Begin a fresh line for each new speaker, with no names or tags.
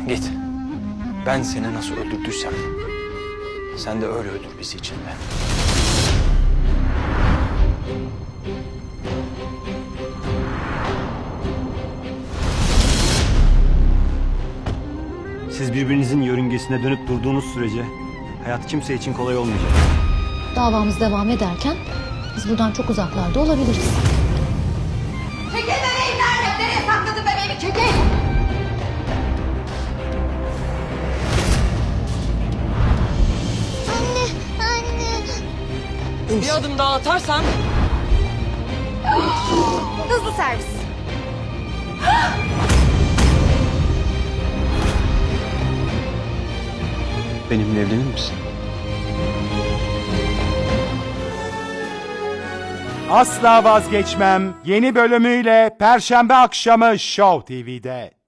Git. Ben seni nasıl öldürdüysem sen de öyle öldür bizi içinde.
Siz birbirinizin yörüngesine dönüp durduğunuz sürece hayat kimse için kolay olmayacak.
Davamız devam ederken biz buradan çok uzaklarda olabiliriz.
Çekil bebeğim nerede? Nereye sakladın bebeğimi? Çekil!
Bir adım daha atarsan
Hızlı servis.
Benimle evlenir misin?
Asla Vazgeçmem yeni bölümüyle Perşembe akşamı Show TV'de.